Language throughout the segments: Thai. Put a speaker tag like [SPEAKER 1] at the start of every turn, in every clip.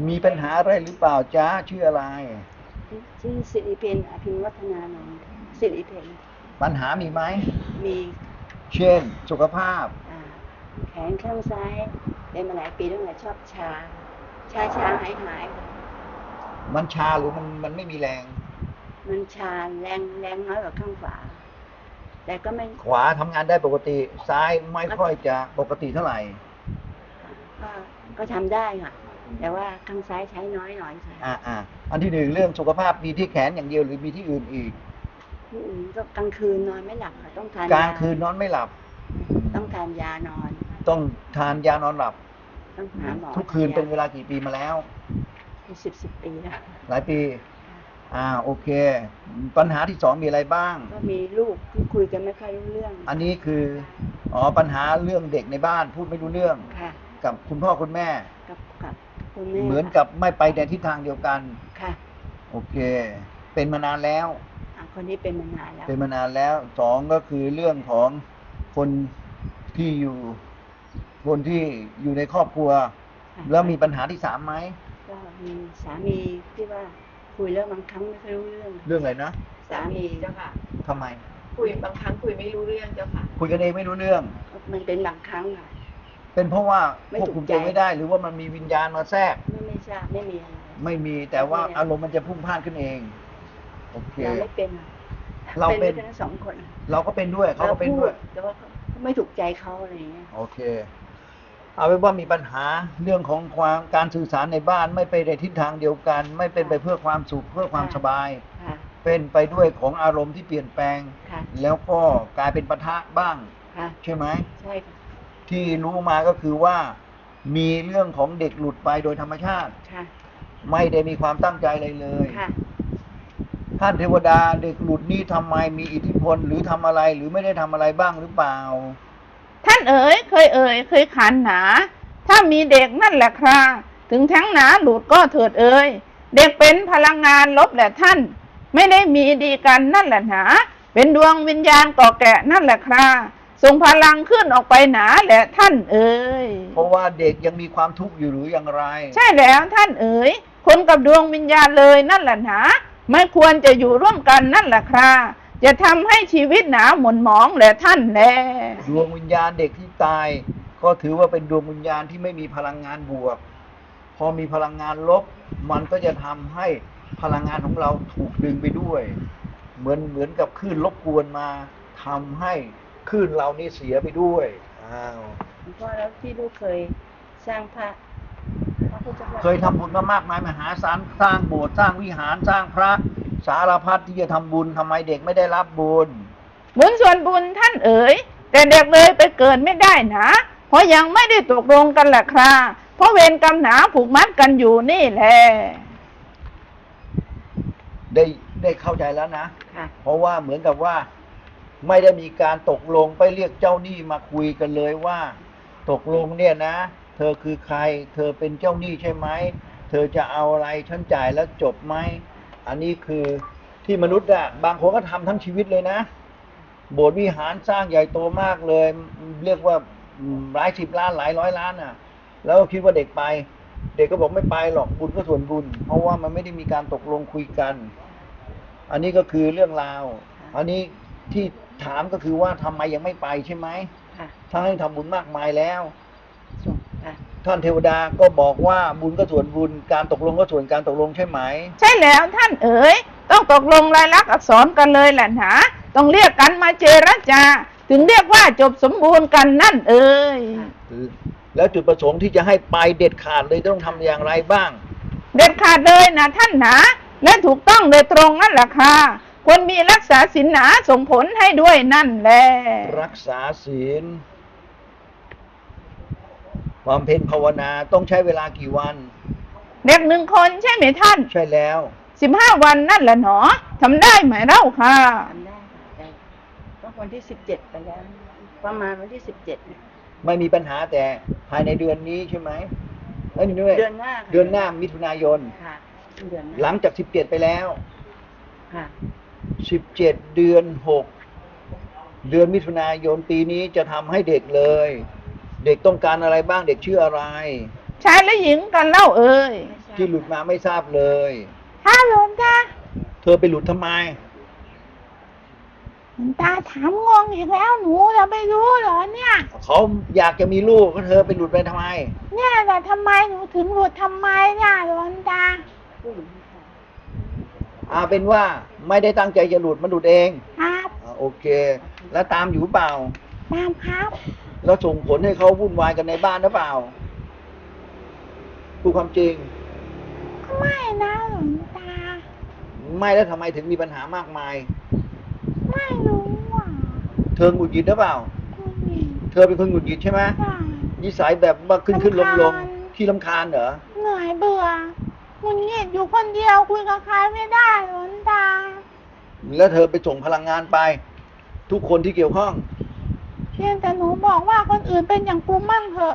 [SPEAKER 1] มีปัญหาอะไรหรือเปล่าจ๊ะชื่ออะไร
[SPEAKER 2] ชื่อสิริเพนอภิวัฒนานนท์สิริเพน
[SPEAKER 1] ปัญหามีไหม
[SPEAKER 2] มี
[SPEAKER 1] เช่นสุขภาพ
[SPEAKER 2] แขนข้างซ้ายเป็นมาหลายปีตั้งแต่ชอบชาหาย
[SPEAKER 1] มันชาหรือมันไม่มีแรง
[SPEAKER 2] มันชาแรงน้อยกว่าข้างขวาแต่ก็ไม่
[SPEAKER 1] ขวาทำงานได้ปกติซ้ายไม่ค่อยจะปกติเท่าไหร่
[SPEAKER 2] ก็ทำได้ค่ะแต่ว่าข้างซ้ายใช้น้อยหน่อย
[SPEAKER 1] ค่ะอันที่หนึ่งเรื่องสุขภาพมีที่แขนอย่างเดียวหรือมีที่อื่นอีก
[SPEAKER 2] ที่อื่นก็กลางคืนนอนไม่หลับค่ะต้องทาน
[SPEAKER 1] กลางคืนนอนไม่หลับ
[SPEAKER 2] ต้องทานยานอน
[SPEAKER 1] ต้องทานยานอนหลับ
[SPEAKER 2] ต้องหาหมอ
[SPEAKER 1] ทุกคืนเป็นเวลากี่ปีมาแล้ว
[SPEAKER 2] 10 ปีแล้ว
[SPEAKER 1] หลายปีโอเคปัญหาที่สองมีอะไรบ้าง
[SPEAKER 2] ก็มีลูกที่คุยกันไม่ค่อยรู้เรื่อง
[SPEAKER 1] อันนี้คือปัญหาเรื่องเด็กในบ้านพูดไม่รู้เรื่องกับคุณพ่อคุณแม่
[SPEAKER 2] กับคุณแม่
[SPEAKER 1] เหมือนกับไม่ไปในทิศทางเดียวกัน
[SPEAKER 2] ค่ะ
[SPEAKER 1] โอเคเป็นมานานแล้ว
[SPEAKER 2] คนนี้เป็นมานานแล้ว
[SPEAKER 1] เป็นมานานแล้วสองก็คือเรื่องของคนที่อยู่ในครอบครัวแล้วมีปัญหาที่สามไหม
[SPEAKER 2] ก็มีสามีที่ว่าคุยแล้วบางครั้งไม่ค่อยรู้เ
[SPEAKER 1] รื่องอะไรนะ
[SPEAKER 2] สามี
[SPEAKER 3] เจ้าค่ะ
[SPEAKER 1] ทำไม
[SPEAKER 3] คุยบางครั้งคุยไม่รู้เรื่องเจ้าค่ะ
[SPEAKER 1] คุยกันเองไม่รู้เรื่อง
[SPEAKER 2] มันเป็นบางครั้งค่ะ
[SPEAKER 1] เป็นเพราะว่าควบคุมตัวไม่ได้หรือว่ามันมีวิญญาณมาแทรก
[SPEAKER 2] ไม่ทราบไม่มีอะไร
[SPEAKER 1] ไม่มีแต่ว่าอารมณ์มันจะพุ่งพล่านขึ้นเองโอเค
[SPEAKER 2] เราไม่เป็น
[SPEAKER 1] เราเป็น
[SPEAKER 2] ทั้งสองคน
[SPEAKER 1] เราก็เป็นด้วยเขาก็เป็นด้วย
[SPEAKER 2] แต่ว่าไม่ถูกใจเขาอะไรอย่างเงี้ย
[SPEAKER 1] โอเคเอาเป็นว่ามีปัญหาเรื่องของการสื่อสารในบ้านไม่ไปในทิศทางเดียวกันไม่เป็นไปเพื่อความสุขเพื่อความสบายเป็นไปด้วยของอารมณ์ที่เปลี่ยนแปลงแล้วก็กลายเป็นปะทะบ้างใช่ไหม
[SPEAKER 2] ใช่ค่ะ
[SPEAKER 1] ที่รู้มาก็คือว่ามีเรื่องของเด็กหลุดไปโดยธรรมชาติไม่ได้มีความตั้งใจเลยท่านเทวดาเด็กหลุดนี้ทำไมมีอิทธิพลหรือทำอะไรหรือไม่ได้ทำอะไรบ้างหรือเปล่า
[SPEAKER 4] ท่านเคยขันหนาถ้ามีเด็กนั่นแหละคราถึงแท้งหนาหลุดก็เถิดเด็กเป็นพลังงานลบแหละท่านไม่ได้มีดีกันนั่นแหละหนาเป็นดวงวิญญาณก่อแก่นั่นแหละคราส่งพลังขึ้นออกไปหนาแหละท่าน
[SPEAKER 1] เพราะว่าเด็กยังมีความทุกข์อยู่หรืออย่างไร
[SPEAKER 4] ใช่แล้วท่านคนกับดวงวิญญาณเลยนั่นแหละหนาไม่ควรจะอยู่ร่วมกันนั่นแหละคราจะทำให้ชีวิตหนาหม่นหมองแหละท่านแล
[SPEAKER 1] ดวงวิญญาณเด็กที่ตายก็ถือว่าเป็นดวงวิญญาณที่ไม่มีพลังงานบวกพอมีพลังงานลบมันก็จะทำให้พลังงานของเราถูกดึงไปด้วยเหมือนกับคลื่นรบกวนมาทำให้คลื่นเรานี่เสียไปด้วย
[SPEAKER 2] เพราะแล้วที่ลูกเคยสร้างพระ
[SPEAKER 1] เคยทำบุญมามากมายมหาศาลสร้างโบสถ์สร้างวิหารสร้างพระสารพัดที่จะทำบุญทำไมเด็กไม่ได้รับบุญ
[SPEAKER 4] ส่วนบุญท่านแต่เด็กเลยไปเกิดไม่ได้นะเพราะยังไม่ได้ตกลงกันแหละครับเพราะเวรกรรมหนาผูกมัดกันอยู่นี่แหละ
[SPEAKER 1] ได้เข้าใจแล้วนะเพราะว่าเหมือนกับว่าไม่ได้มีการตกลงไปเรียกเจ้าหนี้มาคุยกันเลยว่าตกลงเนี่ยนะเธอคือใครเธอเป็นเจ้าหนี้ใช่ไหมเธอจะเอาอะไรฉันจ่ายแล้วจบไหมอันนี้คือที่มนุษย์บางคนก็ทำทั้งชีวิตเลยนะโบสถ์วิหารสร้างใหญ่โตมากเลยเรียกว่าหลาย10 ล้านหลายร้อยล้านแล้วคิดว่าเด็กไปเด็กก็บอกไม่ไปหรอกบุญก็ส่วนบุญเพราะว่ามันไม่ได้มีการตกลงคุยกันอันนี้ก็คือเรื่องราวอันนี้ที่ถามก็คือว่าทำไมยังไม่ไปใช่ไหมถ้าให้ทำบุญมากมายแล้วท่านเทวดาก็บอกว่าบุญก็ส่วนบุญการตกลงก็ส่วนการตกลงใช่ไหม
[SPEAKER 4] ใช่แล้วท่านต้องตกลงลายลักษณ์อักษรกันเลยแหละนะต้องเรียกกันมาเจรจาถึงเรียกว่าจบสมบูรณ์กันนั่น
[SPEAKER 1] แล้วจุดประสงค์ที่จะให้ไปเด็ดขาดเลยต้องทำอย่างไรบ้าง
[SPEAKER 4] เด็ดขาดเลยนะท่านนะและถูกต้องโดยตรงนั่นแหละค่ะควรมีรักษาศีลหนาส่งผลให้ด้วยนั่นแหละ
[SPEAKER 1] รักษาศีลความเพ็ญภาวนาต้องใช้เวลากี่วัน
[SPEAKER 4] เด็ก1 คนใช่ไหมท่าน
[SPEAKER 1] ใช่แล้ว
[SPEAKER 4] 15 วันนั่นแหละหนอทำได้ไหมเล่าค่ะ
[SPEAKER 2] ทำได้ค่ะก็วันที่17ไปแล้วประมาณวันที่17
[SPEAKER 1] ไม่มีปัญหาแต่ภายในเดือนนี้ใช่ไหม
[SPEAKER 2] เดือน
[SPEAKER 1] หน้ามิถุนายน
[SPEAKER 2] ค่ะ
[SPEAKER 1] หลังจาก17ไปแล้ว
[SPEAKER 2] ค่ะ
[SPEAKER 1] 17เดือน6เดือนมิถุนายนปีนี้จะทำให้เด็กเลยเด็กต้องการอะไรบ้างเด็กชื่ออะไร
[SPEAKER 4] ชายและหญิงกันเล่า
[SPEAKER 2] ไม่ใช่ราบ
[SPEAKER 1] ที่หลุดมาไม่ทราบเลย
[SPEAKER 4] ถ้าหลวงตา
[SPEAKER 1] เธอไปหลุดทำไม
[SPEAKER 4] หลวงตาถามงงอีกแล้วหนูจะไม่รู้เหรอเนี่ย
[SPEAKER 1] เขาอยากจะมีลูกก็เธอไปหลุดไปทำไม
[SPEAKER 4] เนี่ยแต่ทำไมหนูถึงหลุดทำไมเนี่ยหลวงตา
[SPEAKER 2] ผู้หญิงค่ะ
[SPEAKER 1] เป็นว่าไม่ได้ตั้งใจจะหลุดมันหลุดเอง
[SPEAKER 4] ครับ
[SPEAKER 1] โอเค แล้วตามอยู่เปล่า
[SPEAKER 4] ตามครับ
[SPEAKER 1] แล้วส่งผลให้เขาวุ่นวายกันในบ้านหรือเปล่าพูดความจริง
[SPEAKER 4] ไม่นะหลวงตา
[SPEAKER 1] ไม่แล้วทำไมถึงมีปัญหามากมาย
[SPEAKER 4] ไม่รู้อ่ะ
[SPEAKER 1] เธอหงุดหงิดหรือเปล่า
[SPEAKER 4] คุณหญิง
[SPEAKER 1] เธอเป็นคนหงุดหงิดใช่ไหม
[SPEAKER 4] ใช่
[SPEAKER 1] นิสัยแบบว่าขึ้นลง
[SPEAKER 4] รำคาญ
[SPEAKER 1] ที่รำคาญเหรอ
[SPEAKER 4] เหนื่อยเบื่อหงุดหงิดอยู่คนเดียวคุยกับใครไม่ได้หลวงตา
[SPEAKER 1] แล้วเธอไปส่งพลังงานไป ทุกคนที่เกี่ยวข้อง
[SPEAKER 4] เพียงแต่หนูบอกว่าคนอื่นเป็นอย่างกูมั่งเถอะ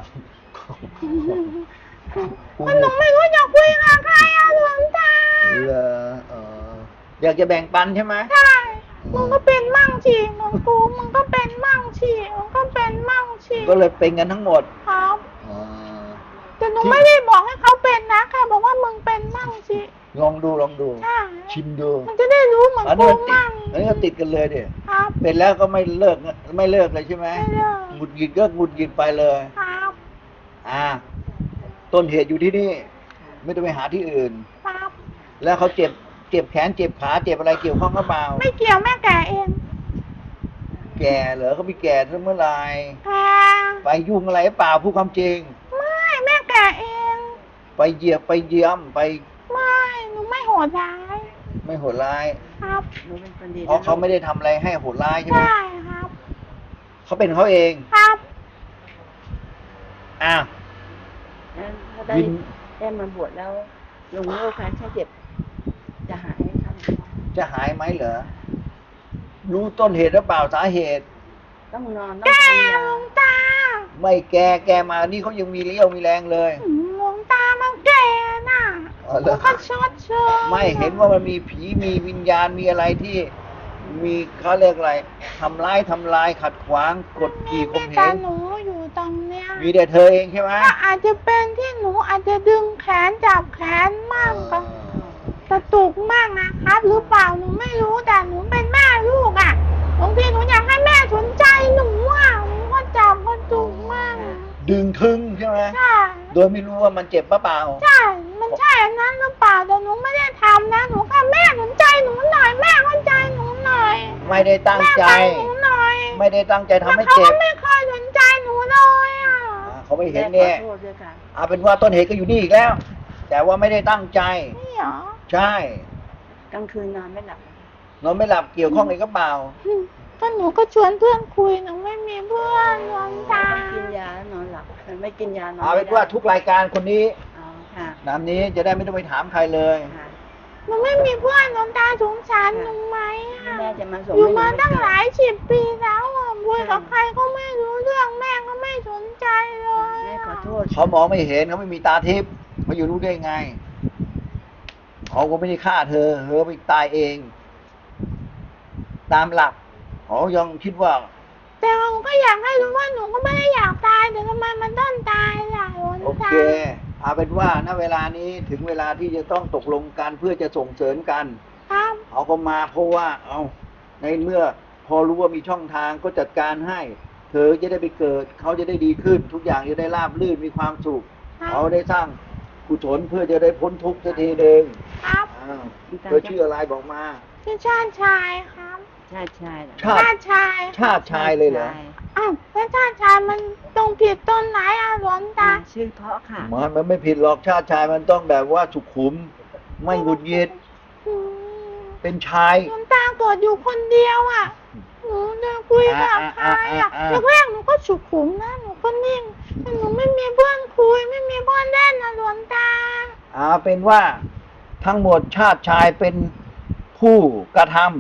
[SPEAKER 4] มันหนูไม่รู้จะคุยกับใครอะหลวงตา
[SPEAKER 1] เหรออยากจะแบ่งปันใช่ไหม
[SPEAKER 4] ใช่มึงก็เป็นมั่งฉีเหมือนกูมึงก็เป็นมั่งฉีมึงก็เป็นมั่งฉี
[SPEAKER 1] ก็เลยเป็นกันทั้งหมด
[SPEAKER 4] ครับ
[SPEAKER 1] อ๋อ
[SPEAKER 4] แต่หนูไม่ได้บอกให้เขาเป็นนะแค่บอกว่ามึงเป็นมั่งฉี
[SPEAKER 1] ลองดู
[SPEAKER 4] ใช่
[SPEAKER 1] ชิมดู
[SPEAKER 4] มันจะได้รู้เหมือน
[SPEAKER 1] อันนี้
[SPEAKER 4] กู
[SPEAKER 1] มันติด
[SPEAKER 4] มั่ง
[SPEAKER 1] อันนี้ก็ติดกันเลยดิ
[SPEAKER 4] ครับ
[SPEAKER 1] เป็นแล้วก็ไม่เลิกเลยใช่ไหม
[SPEAKER 4] ไม่เลิก
[SPEAKER 1] หงุดหงิดก็หงุดหงิดไปเลย
[SPEAKER 4] ครับ
[SPEAKER 1] ต้นเหตุอยู่ที่นี่ ไม่ต้องไปหาที่อื่น
[SPEAKER 4] ครับ
[SPEAKER 1] แล้วเขาเจ็บแขนเจ็บขาเจ็บอะไรเกี่ยวข้องหรือเปล่า
[SPEAKER 4] ไม่เกี่ยวแม่แก่เอง
[SPEAKER 1] แก่เหรอเขามีแก่เมื่อไหร
[SPEAKER 4] แก่
[SPEAKER 1] ไปยุ่งอะไรหรือเปล่าพูดความจริง
[SPEAKER 4] ไม่แม่แก่เอง
[SPEAKER 1] ไปเหยียบไปเยี่ยมไป
[SPEAKER 4] ไม่หนูไม่โหดร้าย
[SPEAKER 1] ไม่โหดร้าย
[SPEAKER 4] ครับ
[SPEAKER 2] หนูเป็นคนดี
[SPEAKER 1] เพราะเขาไม่ได้ทำอะไรให้โหดร้ายใช่ไหม
[SPEAKER 4] ใช่ครับ
[SPEAKER 1] เขาเป็นเขาเอง
[SPEAKER 4] ครับ
[SPEAKER 1] อ้าว
[SPEAKER 2] แล้วถ้าได้
[SPEAKER 1] วิน
[SPEAKER 2] ได้มาบวชแล้วลุงโรคแค้นแค่เจ็บ จะหายไหมครับ
[SPEAKER 1] จะหายไหมเหรอรู้ต้นเหตุหรือเปล่าสาเหตุ
[SPEAKER 2] ต้องนอนต้อง
[SPEAKER 4] แก่
[SPEAKER 2] ทานยา
[SPEAKER 4] หลวงตา
[SPEAKER 1] ไม่แกมานี่เขายังมีเรี่ยวมีแรงเลย
[SPEAKER 4] หลวงตามันแก่น่ะ
[SPEAKER 1] อ๋อเหรอ
[SPEAKER 4] มันก็ชดเชย
[SPEAKER 1] ไม่เห็นว่ามันมีผีมีวิญญาณมีอะไรที่มีเขาเรียกอะไรทำลายขัดขวางกดขี่ข่มเห
[SPEAKER 4] แต่
[SPEAKER 1] ง
[SPEAKER 4] หนูอยู่ตรงเนี้ย
[SPEAKER 1] มีแต่เธอเองใช่ไหม
[SPEAKER 4] ก็อาจจะเป็นที่หนูอาจจะดึงแขนจับแขนมั่งก็กระตุกมั่งนะครับหรือเปล่าหนูไม่รู้แต่หนูเป็นแม่ลูกอ่ะบางทีหนูอยากให้แม่สนใจหนูอ่ะหนูก็จับกระตุกมั่ง
[SPEAKER 1] ดึงทึงใช่ไหม
[SPEAKER 4] ใช่
[SPEAKER 1] โดยไม่รู้ว่ามันเจ็บปะเปล่า
[SPEAKER 4] ใช่ มันใช่อันนั้นหรือเปล่าแต่หนูไม่ได้ทำนะหนูแค่แม่สนใจหนูหน่อยแม่เข้าใจหนูหน่อย
[SPEAKER 1] ไม่ได้ตั้งใจ
[SPEAKER 4] แม่ฟังหนูหน่อย
[SPEAKER 1] ไม่ได้ตั้งใจทำให้
[SPEAKER 4] แล้วเขา
[SPEAKER 1] เจ็
[SPEAKER 4] ก็
[SPEAKER 1] บ
[SPEAKER 4] ไม่เคยสนใจหนูเลยอ่ะ
[SPEAKER 1] เขาไม่เห็น
[SPEAKER 2] แม่
[SPEAKER 1] เนี่ย
[SPEAKER 2] ขอโทษด้วยค่ะ
[SPEAKER 1] เอาเป็นว่าต้นเหตุก็อยู่นี่อีกแล้ว แต่ว่าไม่ได้ตั้งใจ
[SPEAKER 4] นี่เหรอ
[SPEAKER 1] ใช่
[SPEAKER 2] กลางคืนนอนไม่หลับ
[SPEAKER 1] นอนไม่หลับเกี่ยวข้องอะไรก็เปล่า
[SPEAKER 4] ก็หนูก็ชวนเพื่อนคุยหนูไม่มีเพื่อนหลวงตา
[SPEAKER 2] กินยาแล้วนอนหลับไม่กินยานอน
[SPEAKER 1] เอา
[SPEAKER 2] ไม่
[SPEAKER 1] เป็นว่า
[SPEAKER 2] ได้
[SPEAKER 1] ทุกรายการคนนี้
[SPEAKER 2] อ๋อค่ะ
[SPEAKER 1] นามนี้จะได้ไม่ต้องไปถามใครเลย
[SPEAKER 2] ค่ะ
[SPEAKER 4] หนูไม่มีเพื่อนหลวงตาสงสารหนูไหมอ่ะ
[SPEAKER 2] แม่จะมาส่ง
[SPEAKER 4] อยู่
[SPEAKER 2] ให้หนู
[SPEAKER 4] มา
[SPEAKER 2] ไม่
[SPEAKER 4] ตั้ง
[SPEAKER 2] เกิด
[SPEAKER 4] หลาย10 ปีแล้วอ่ะคุยกับใครก็ไม่รู้เรื่องแม่ก็ไม่สนใจเลย
[SPEAKER 2] แม่
[SPEAKER 4] อะ
[SPEAKER 2] ขอโทษ
[SPEAKER 1] เขามองไม่เห็นเขาไม่มีตาทิพย์เขาอยู่รู้ได้ไงเขาก็ไม่ได้ฆ่าเธอไปตายเอง ตามหลักเขายังคิดว่า
[SPEAKER 4] แต่หนูก็อยากให้รู้ว่าหนูก็ไม่ได้อยากตายแต่ทำไมมันต้องตายล่ะหลวง
[SPEAKER 1] โอ
[SPEAKER 4] ตา
[SPEAKER 1] เคเอาเป็นว่าณเวลานี้ถึงเวลาที่จะต้องตกลงกันเพื่อจะส่งเสริมกัน
[SPEAKER 4] ครับ
[SPEAKER 1] เขาก็มาเพราะว่าเอาในเมื่อพอรู้ว่ามีช่องทางก็จัดการให้ เธอจะได้ไปเกิด เขาจะได้ดีขึ้น ทุกอย่างจะได้ราบรื่นมีความสุข
[SPEAKER 4] ครับ
[SPEAKER 1] เขาได้สร้างกุศลเพื่อจะได้พ้นทุกข์สักทีหนึ่ง
[SPEAKER 4] ครับ
[SPEAKER 1] อ้าวเธอชื่ออะไรบอกมา
[SPEAKER 4] ชื่อชาติชายครับ
[SPEAKER 2] ชาติชายเหรอ
[SPEAKER 1] ชาติ
[SPEAKER 4] ชาติชาย
[SPEAKER 1] ชาติชายเลยเหรอ
[SPEAKER 4] อ้าวแล้วชาติชายมันตรงผิดต้นไหนอ่ะหลวงตา
[SPEAKER 2] ชื่อเพราะค่ะ
[SPEAKER 1] มันไม่ผิดหรอกชาติชายมันต้องแบบว่าสุขุม ไม่หงุดหงิด
[SPEAKER 4] อืม
[SPEAKER 1] เป็นชาย
[SPEAKER 4] หลวงตาเกิดอยู่คนเดียวอ่ะหนูจะคุยกับใครอ่ะแรกๆหนูก็สุขุมนะหนูก็นิ่งแต่หนูไม่มีเพื่อนคุยไม่มีเพื่อนเล่นนะหลวงตา
[SPEAKER 1] เป็นว่าทั้งหมดชาติชายเป็นผู้กระทำ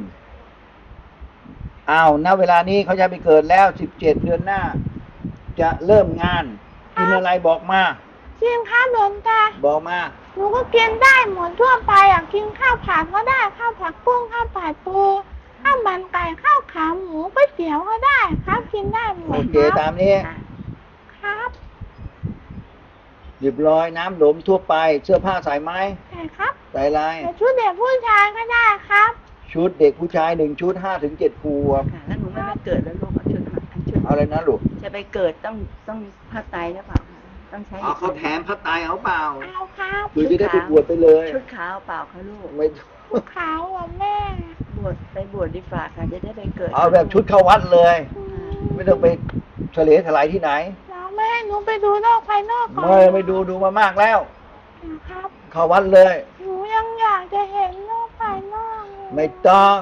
[SPEAKER 1] ณเวลานี้เขาจะไปเกิดแล้ว17 เดือนหน้า จะเริ่มงานกินอะไรบอกมา
[SPEAKER 4] จริงครับหลวงตา
[SPEAKER 1] บอกมา
[SPEAKER 4] หนูก็กินได้หมดทั่วไปอ่ะกินข้าวผัดก็ได้ข้าวผัดกุ้งข้าวผัดปูข้าวมันไก่ข้าวขาหมูก๋วยเตี๋ยวก็ได้ครับกินได้หม
[SPEAKER 1] โอ
[SPEAKER 4] ด
[SPEAKER 1] เค
[SPEAKER 4] ค
[SPEAKER 1] ตา
[SPEAKER 4] รับ
[SPEAKER 1] มนี้
[SPEAKER 2] ค่ะ
[SPEAKER 4] ครับ
[SPEAKER 1] เรียบร้อยน้ำหนมทั่วไปเสื้อผ้าใส่ไหม
[SPEAKER 5] ใช่ครับ
[SPEAKER 1] ใส่ลาย
[SPEAKER 5] แต่ชุดเด็กผู้ชายก็ได้ครับ
[SPEAKER 1] ชุดเด็กผู้ชาย1 ชุด5 ถึง 7 ขวบ
[SPEAKER 2] ค่ะ แล้วหนูไม่ไปเกิดแล้วลูกเอาชุดมาชุด
[SPEAKER 1] เอาอะไรนะลูก
[SPEAKER 2] จะไปเกิดต้องผ้าไตรหรือเปล่าคะต้องใช้
[SPEAKER 1] เอาเขาแถมผ้าไตรเอาเปล่า
[SPEAKER 5] เอาครับ
[SPEAKER 1] คือจะได้ไปบวชไปเลย
[SPEAKER 2] ชุดขาวเปล่าคะลูก
[SPEAKER 1] ไม่
[SPEAKER 5] ชุดขาวเหรอแม่
[SPEAKER 2] บวชดีฝ่าค่ะจะได้ไปเกิด
[SPEAKER 1] เอาแบบชุดเข้าวัดเลย
[SPEAKER 5] อืม
[SPEAKER 1] ไม่ต้องไปเฉลยถลายที่ไหน
[SPEAKER 5] แล้วแม่ให้หนูไปดูโลกภายนอกก่อน
[SPEAKER 1] ไม่ดูมามากแล้ว
[SPEAKER 5] นะครับ
[SPEAKER 1] เข้าวัดเลย
[SPEAKER 5] หนูยังอยากจะเห็นโลกภายนอกเลย
[SPEAKER 1] ไม่ต้อง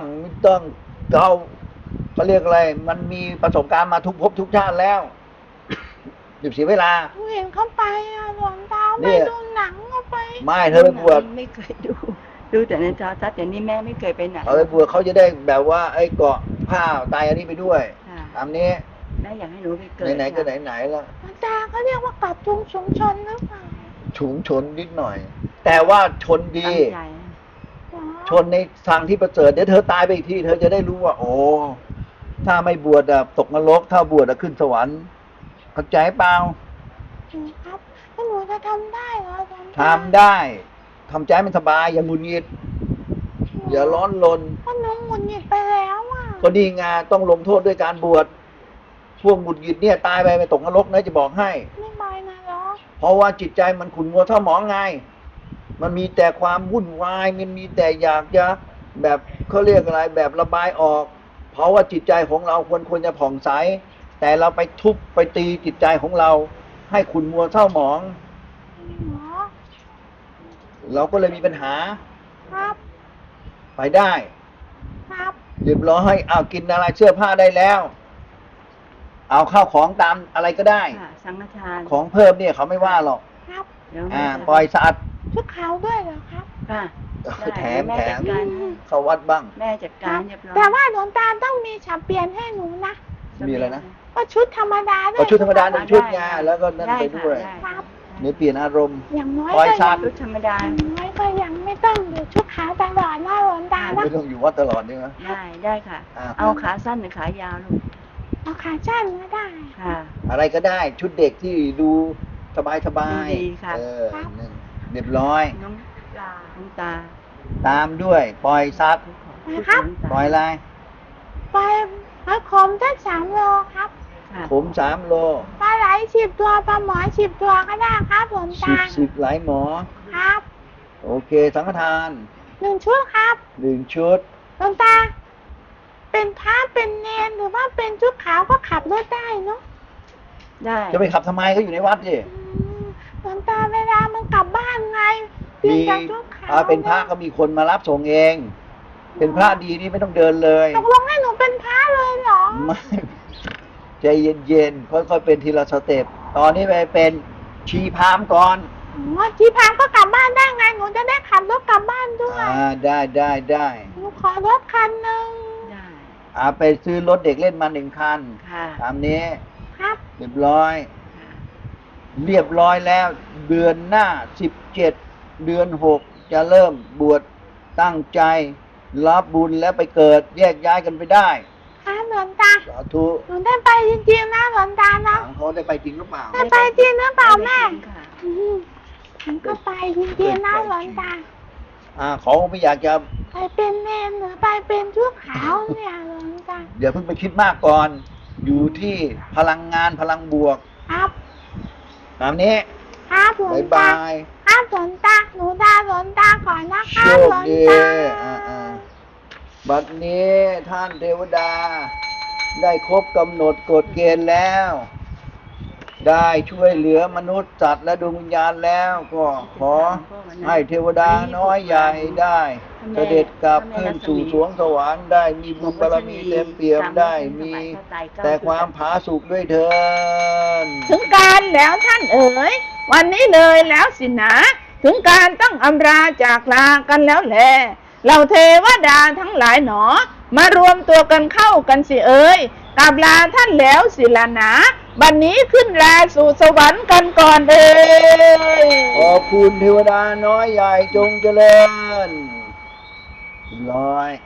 [SPEAKER 1] เขาเรียกอะไร มันมีประสบการณ์มาทุกภพทุกชาติแล้วหยุดเสียเวลา
[SPEAKER 5] หนูเห็นเขาไปอะหลวงตา
[SPEAKER 1] เนี่
[SPEAKER 5] ไป
[SPEAKER 1] ย
[SPEAKER 5] ดูหนังก็ไป
[SPEAKER 1] ไม่เธอไปบวช
[SPEAKER 2] ไม่เคยดูแต่ในโทรทัศน์แต่นี่แม่ไม่เคยไปไหน
[SPEAKER 1] เอาไปบวชเขาจะได้แบบว่าไอ้เกาะผ้าไตรอันนี้ไปด้วย
[SPEAKER 2] ค่ะ
[SPEAKER 1] ตามนี้
[SPEAKER 2] แม่อยากให้หนูไปเกิด
[SPEAKER 1] ไหนๆก็
[SPEAKER 2] ค่ะ
[SPEAKER 1] ไหนๆแล้ว
[SPEAKER 5] หลวงตาเขาเรียกว่ากัดจุงชุมชนหรือเปล่า
[SPEAKER 1] ฉุงชนนิดหน่อย แต่ว่าชนดี
[SPEAKER 2] ตั้งใจ
[SPEAKER 5] อ๋อ
[SPEAKER 1] ชนในทางที่ประเสริฐเดี๋ยวเธอตายไปอีกทีเธอจะได้รู้ว่า โอ้ถ้าไม่บวชอะตกนรกถ้าบวชอะขึ้นสวรรค์เข้าใจเปล่า
[SPEAKER 5] ครับแล้วหนูจะทำได้เหรอหลวงตา
[SPEAKER 1] ทำได้ทำใจมันสบายอย่าหงุดหงิดอย่าร้อนรน
[SPEAKER 5] เพราะหนูหงุดหงิดไปแล้วอ่ะ
[SPEAKER 1] ก็ดีงานต้องลงโทษด้วยการบวชพวกหงุดหงิดเนี่ยตายไปตกนรกนะจะบอกให้
[SPEAKER 5] ไม่ไปนะเหรอ
[SPEAKER 1] เพราะว่าจิตใจมันขุ่นมัวเท่าหมองไง มันมีแต่ความวุ่นวาย มันมีแต่อยากจะแบบเขาเรียกอะไรแบบระบายออก เพราะว่าจิตใจของเราควรจะผ่องใส แต่เราไปทุบไปตีจิตใจของเรา ให้ขุ่นมัวเท่าหมอง
[SPEAKER 5] หรอ
[SPEAKER 1] เราก็เลยมีปัญหา
[SPEAKER 5] ครับ
[SPEAKER 1] ไปได้
[SPEAKER 5] ครับ
[SPEAKER 1] เรียบร้อยเอากินอะไรเสื้อผ้าได้แล้ว เอาข้าวของตามอะไรก็ได้
[SPEAKER 2] ค่ะสังฆทาน
[SPEAKER 1] ของเพิ่มเนี่ยเขาไม่ว่าหรอก
[SPEAKER 5] ครับ
[SPEAKER 2] เดี๋ยวแม่จะ
[SPEAKER 1] ปล่อยสะอาด
[SPEAKER 5] ชุดขาวด้วยเหรอครับ
[SPEAKER 2] ค่ะได้
[SPEAKER 1] แถม
[SPEAKER 2] แม่จัดการให้
[SPEAKER 1] เข้าวัดบ้าง
[SPEAKER 2] แม่จัดการเรียบร้อย
[SPEAKER 5] แต่ว่าหลวงตาต้องมีฉับเปลี่ยนให้หนูนะ
[SPEAKER 1] มีอะไรนะ
[SPEAKER 5] ว่าชุดธรรมดาด้วย
[SPEAKER 1] เอาชุดธรรมดาหนึ่งชุดไงแล้วก็นั่น
[SPEAKER 2] ได้
[SPEAKER 1] ไป
[SPEAKER 2] ค่ะ
[SPEAKER 1] ด้วย
[SPEAKER 2] ได้
[SPEAKER 5] ครับ
[SPEAKER 1] เนี่ยเปลี่ยนอารมณ์
[SPEAKER 5] อย่างน้อย
[SPEAKER 1] ปล่อย
[SPEAKER 5] ก็
[SPEAKER 1] สั
[SPEAKER 5] ยั
[SPEAKER 1] ตว์
[SPEAKER 2] ชุดธรรมดา
[SPEAKER 5] อย่างน้อยก็ยังไม่ต้องอยู่ชุดขาวตลอดนะหลวงตานะ
[SPEAKER 1] ไม่ต้องอยู่วัดตลอดนี่นะ
[SPEAKER 2] ได้ค่ะ
[SPEAKER 1] อ่า
[SPEAKER 2] เอาขาสั้นหรือขายาวลูก
[SPEAKER 5] เอาขาสั้นก็ได้
[SPEAKER 2] ค่ะ
[SPEAKER 1] อะไรก็ได้ชุดเด็กที่ดูสบาย
[SPEAKER 2] ดูดีค่ะ
[SPEAKER 1] นั่นเรียบร้อย
[SPEAKER 2] น้องตา
[SPEAKER 1] ตามด้วย ปล่อยซับ
[SPEAKER 5] นะครับ
[SPEAKER 1] ปล่อยอะไร
[SPEAKER 5] ไปเอาขมสัก3 โลครับ
[SPEAKER 2] ค่ะ
[SPEAKER 1] ผม3 โล
[SPEAKER 5] ปลาไหล10 ตัวปลาหมอ10 ตัวก็ได้ครับหลวงตา
[SPEAKER 1] 10หลายหมอ
[SPEAKER 5] ครับ
[SPEAKER 1] โอเค สังฆทาน
[SPEAKER 5] 1 ชุดครับ
[SPEAKER 1] 1 ชุด
[SPEAKER 5] หลวงตา เป็นพระเป็นเนรหรือว่าเป็นชุดขาวก็ขับรถได้เนาะ
[SPEAKER 2] ได้
[SPEAKER 1] จะไปขับทำไมก็อยู่ในวัดสิ
[SPEAKER 5] หลวงตาเวลามันกลับบ้านไงเปลี่ยนจากชุดขาว
[SPEAKER 1] เป็นพระก็มีคนมารับส่งเอง เป็นพระดีนี่ไม่ต้องเดินเลย
[SPEAKER 5] ตกลงให้หนูเป็นพระเลยเหรอ
[SPEAKER 1] ไม่ใจเย็นๆ ค่อยๆ เป็นทีละสเต็ป ตอนนี้ไปเป็นชีพราหมณ์ก่อน
[SPEAKER 5] ที่พามก็กลับบ้านได้ไง หนูจะได้ขับรถกลับบ้านด้วย
[SPEAKER 1] ได้
[SPEAKER 5] หนูขอรถคันหนึ่ง
[SPEAKER 2] ได้
[SPEAKER 1] ไปซื้อรถเด็กเล่นมา1 คัน
[SPEAKER 2] ค่ะ
[SPEAKER 1] ตามนี้
[SPEAKER 5] ครับ
[SPEAKER 1] เรียบร้อย เรียบร้อยแล้ว เดือนหน้า17 เดือน6จะเริ่มบวชตั้งใจ รับบุญแล้วไปเกิดแยกย้ายกันไปได้
[SPEAKER 5] ครับหลวงตา
[SPEAKER 1] สาธุ
[SPEAKER 5] หนูได้ไปจริงๆนะหลวงตานะ
[SPEAKER 1] ถามเขาได้ไปจริงหรือเปล่า
[SPEAKER 5] ได้ไปจริงหรือเปล่าแม่
[SPEAKER 2] ค่ะ
[SPEAKER 5] อืมฉันก็ไปจริงๆนะหลวงตา
[SPEAKER 1] เขาไม่อยากจะ
[SPEAKER 5] ไปเป็นเนรหรือไปเป็นชุดขาวเนี่ยหลวงตา
[SPEAKER 1] เดี๋ยวเพิ่งไปคิดมากก่อน อยู่ที่พลังงานพลังบวก
[SPEAKER 5] ครับ
[SPEAKER 1] ตามนี้
[SPEAKER 5] ครับหลวง
[SPEAKER 1] บาย
[SPEAKER 5] ตา
[SPEAKER 1] บาย
[SPEAKER 5] ครับหลวงตาหนูลาหลวงตาก่อนนะค
[SPEAKER 1] โช
[SPEAKER 5] รับ
[SPEAKER 1] ค
[SPEAKER 5] หลวง
[SPEAKER 1] ดี
[SPEAKER 5] ตา
[SPEAKER 1] บัดนี้ท่านเทวดา ได้ครบกำหนดกฎเกณฑ์แล้ว ได้ช่วยเหลือมนุษย์สัตว์และดวงวิญญาณแล้วก็ขอให้เทวดาน้อยใหญ่ได้ เสด็จกลับขึ้นสู่สวงสวรรค์ได้มีบุญบารมีเต็มเปี่ยมได้มีแต่ความผาสุกด้วยเถิด
[SPEAKER 4] ถึงการแล้วท่านเอ๋ยวันนี้เลยแล้วสินะ ถึงการต้องอำลาจากลากันแล้วแลเราเทวดาทั้งหลายหนอ มารวมตัวกันเข้ากันสิเอ๋ยกราบลาท่านแล้วสิละนะบัดนนี้ขึ้นลาสู่สวรรค์กันก่อนเอ๋ย
[SPEAKER 1] ขอบคุณเทวดาน้อยใหญ่จงเจริญร้อย